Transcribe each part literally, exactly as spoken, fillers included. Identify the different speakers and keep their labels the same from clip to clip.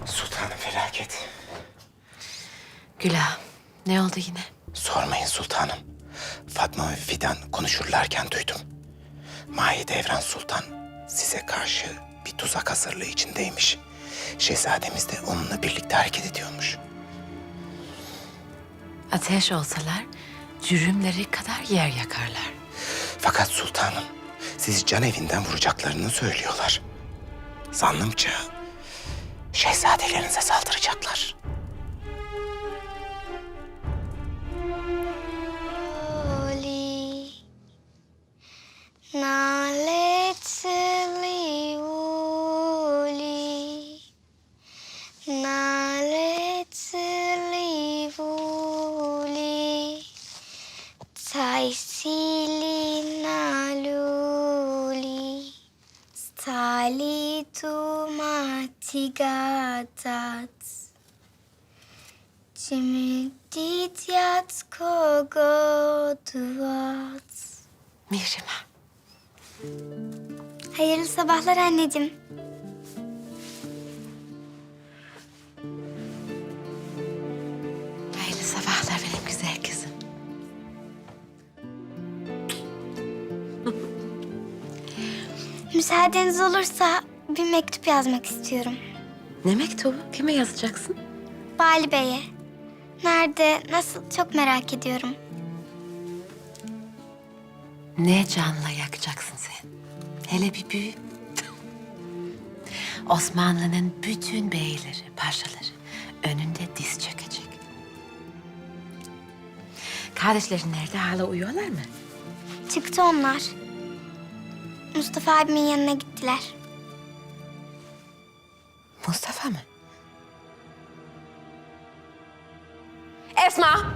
Speaker 1: Sultanım felaket.
Speaker 2: Gülah, ne oldu yine?
Speaker 1: Sormayın sultanım. Fatma ve Fidan konuşurlarken duydum. Mahidevran Sultan size karşı bir tuzak hazırlığı içindeymiş. Şehzademiz de onunla birlikte hareket ediyormuş.
Speaker 2: Ateş olsalar cürümleri kadar yer yakarlar.
Speaker 1: Fakat sultanım sizi can evinden vuracaklarını söylüyorlar. Zannımca şehzadelerinize saldıracaklar.
Speaker 3: Oli, naletli uli, naletli uli, taisili naluli, stali tu matigatat. Cimdityat kogoduvat.
Speaker 2: Mihrimah,
Speaker 3: Hayırlı sabahlar anneciğim.
Speaker 2: hayırlı sabahlar benim güzel kızım.
Speaker 3: Müsaadeniz olursa bir mektup yazmak istiyorum.
Speaker 2: Ne mektubu? Kime yazacaksın?
Speaker 3: Bali Bey'e. Nerede, nasıl çok merak ediyorum.
Speaker 2: Ne canla yakacaksın sen? Hele bir büyü. Osmanlı'nın bütün beyleri, paşaları önünde diz çökecek. Kardeşlerin nerede? Hala uyuyorlar mı?
Speaker 3: Çıktı onlar. Mustafa abimin yanına gittiler.
Speaker 2: Mustafa mı? Esma!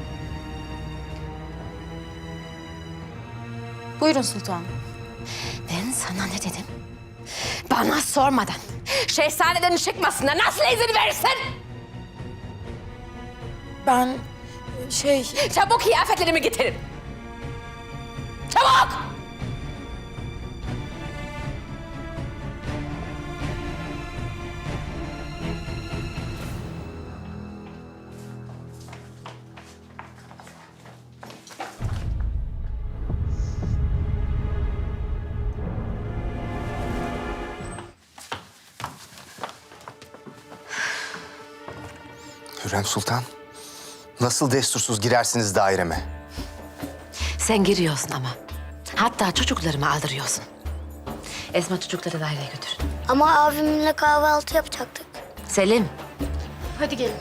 Speaker 4: Buyurun sultanım.
Speaker 2: Ben sana ne dedim? Bana sormadan şehzadelerin çıkmasına nasıl izin verirsin?
Speaker 4: Ben şey...
Speaker 2: Çabuk kıyafetlerimi getirin. Çabuk!
Speaker 1: Hürrem Sultan, nasıl destursuz girersiniz daireme?
Speaker 2: Sen giriyorsun ama. Hatta çocuklarımı aldırıyorsun. Esma çocukları daireye götür.
Speaker 3: Ama abimle kahvaltı yapacaktık.
Speaker 2: Selim.
Speaker 4: Hadi gelin.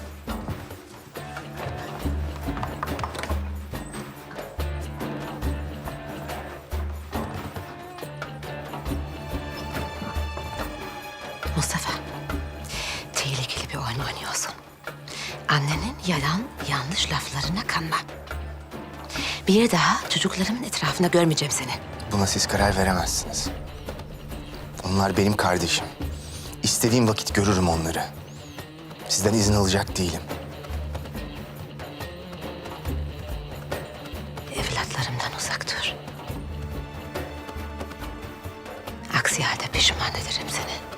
Speaker 2: Mustafa. Tehlikeli bir oyun oynuyorsun. Annenin yalan, yanlış laflarına kanma. Bir daha çocuklarımın etrafında görmeyeceğim seni.
Speaker 1: Buna siz karar veremezsiniz. Onlar benim kardeşim. İstediğim vakit görürüm onları. Sizden izin alacak değilim.
Speaker 2: Evlatlarımdan uzak dur. Aksi halde pişman ederim seni.